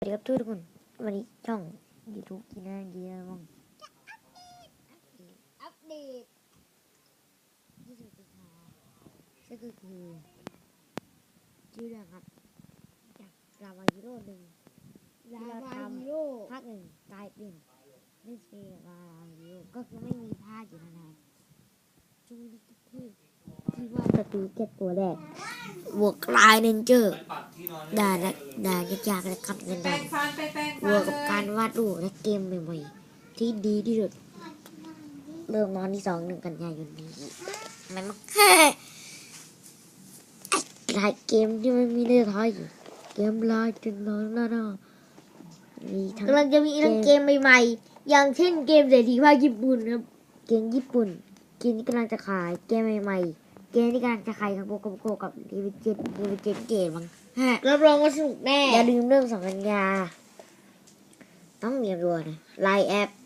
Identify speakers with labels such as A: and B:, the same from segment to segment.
A: ดีครับทุกคนวันนี้ช่องยูทูบกินอะไรกินอะไรบ้างอัปเดต20สิงหาก็คือชื่อเรื่องครับจากรามาฮีโร่หนึ่งที่เราทำภาคหนึ่งกลายเป็นเล่นสเปนรามาฮีโร่ก็คือไม่มีภาคอยู่นานๆช่วงนี้ที่ว่าสตูเก็ตตัวแรกบวกลายเรนเจอร์ด่ายากๆและขับเงินได้บวกกับการวาดรูปและเกมใหม่ๆที่ดีที่สุดเริ่มวันที่1 กันยายนนี้มันแค่หลายเกมที่มันมีในไทยเกมลายจนร้อนแล้วมีทั้งกำลังจะมีทั้งเกมใหม่ๆอย่างเช่นเกมเศรษฐีภาคญี่ปุ่นครับเกมญี่ปุ่นเกมที่กำลังจะขายเกมใหม่ๆเกมที่กำลังจะขายกับโกกับรีวิเจนเกมมั้งรับรองว่าสนุกแน่อย่าลืมเรื่อง2 กันยาต้องเรียนรู้นะไลน์แอป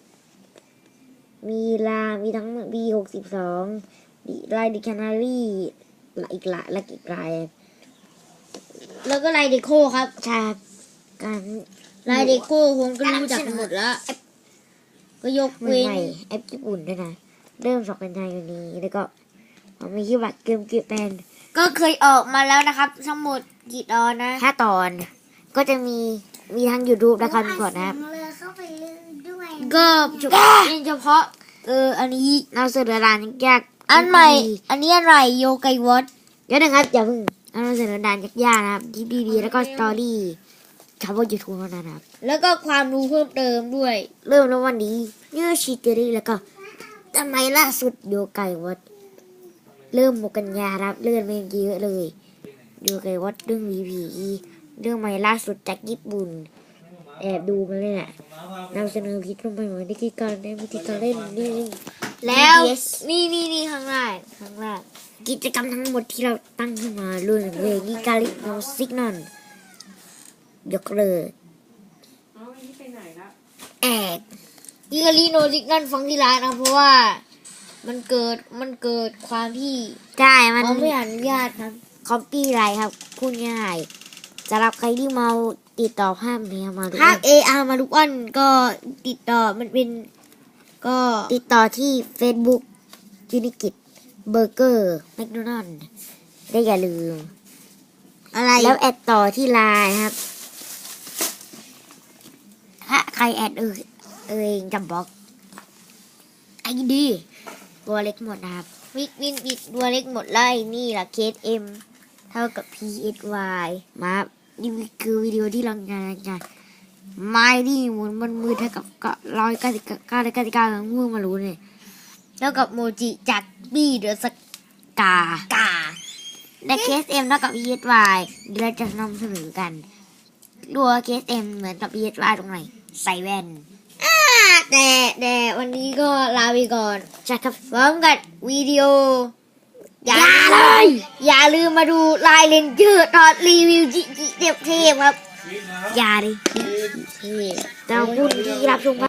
A: มีทั้งB62ไลน์ดิคชันนารีอีกละและอีกไลน์แล้วก็ไลน์เดโคครับใช่การไลน์เดโคผมก็รู้จักหมดแล้วก็ยกเว้นแอปญี่ปุ่นด้วยนะเริ่ม2 กันยายนนี้แล้วก็มีชื่อบัตรเกมเกมแปนก็เคยออกมาแล้วนะครับทั้งหมดกี่ตอนนะ5 ตอนก็จะมีทั้ง YouTube และคอนพอร์ตนะครับก็เฉพาะอันนี้เราเสนอด่านยากอันใหม่อันนี้อะไรโยไกวอตเดี๋ยวนะครับอย่าเพิ่งเราเสนอด่านยากๆนะครับคลิปดีๆแล้วก็สตอรี่เฉพาะ YouTube เท่านั้นครับแล้วก็ความรู้เพิ่มเติมด้วยเริ่มแล้ววันนี้ยูชิเตอรี่แล้วก็ทำไมล่าสุดโยไกวอตเริ่ม6 กันยาครับเลื่อนไปเยอะเลยดูไกวัดเรื่องผีเรื่องใหม่ล่าสุดจากญี่ปุ่นแอบดูมาเลยแหละนำเสนอคลิปลงไปเหมือนวิธีการเล่นนี่แล้วนี่ข้างล่างกิจกรรมทั้งหมดที่เราตั้งขึ้นมาเรื่องเลยนี่การเล่นโนซิกนอนยกเลยแอบยิงกาลีโนซิกนอนฟังที่ร้านนะเพราะว่ามันเกิดความที่ใช่มันไม่อนุญาตครับคอปปี้ไรครับพูดง่ายสำหรับใครที่มาติดต่อภาพนี้มาภาพ AR มาทุกวันก็ติดต่อมันเป็นก็ติดต่อที่ Facebook ยูนิกิตเบอร์เกอร์แมคโดนัลด์ได้อย่าลืมอะไรแล้วแอดต่อที่ไลน์ครับถ้าใครแอดเองจะบล็อกไอ้ดีตัวเล็กหมดนะครับวินตัวเล็กหมดเลยนี่แหละเคส M เท่ากับ PSY มานี่คือวิดีโอที่เรางานไม่ดิมันมือเท่ากับ199ของมือมารู้เนี่ยแล้วกับโมจิจากบี้เดอะสกาและเคส M เท่ากับ PSY เดี๋ยวเราจะนำเสนอกันรัวเคส M เหมือนกับ PSY ตรงไหนใส่แว่นแต่วันนี้ก็ลาไปก่อนจะครับพร้อมกับวิดีโออย่าลืมมาดูลายเลนเจอร์ตอนรีวิวจิเทพครับอย่าดิเทพแต่คุณที่รับชม